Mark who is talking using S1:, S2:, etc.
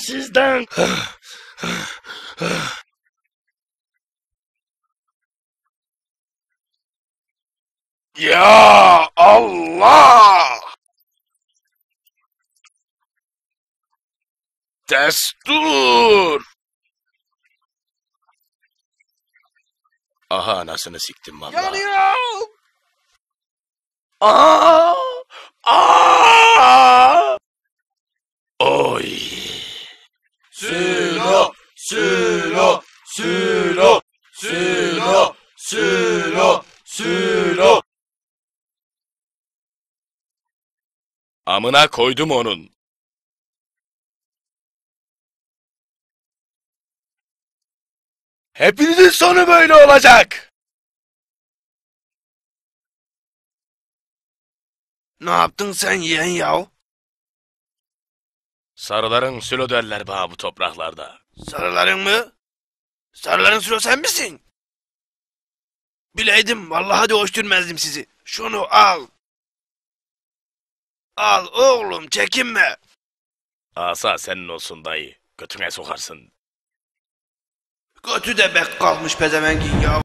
S1: sizden. Ya Allah! Destur! Aha anasını siktim vallahi.
S2: Yanıyorum.
S1: Aa! Aa! Oy!
S2: Sülo, sülo, sülo, sülo, sülo, sülo.
S1: Amına koydum onun. Hepinizin sonu böyle olacak.
S2: Ne yaptın sen yeğen yav?
S1: Sarıların sülo derler bana bu topraklarda.
S2: Sarıların mı? Sarıların sülo sen misin? Bileydim vallahi de hoş görmezdim sizi. Şunu al. Al oğlum çekinme.
S1: Asa senin olsun dayı. Götüne sokarsın.
S2: Götü de bek kalmış pezevengin yav.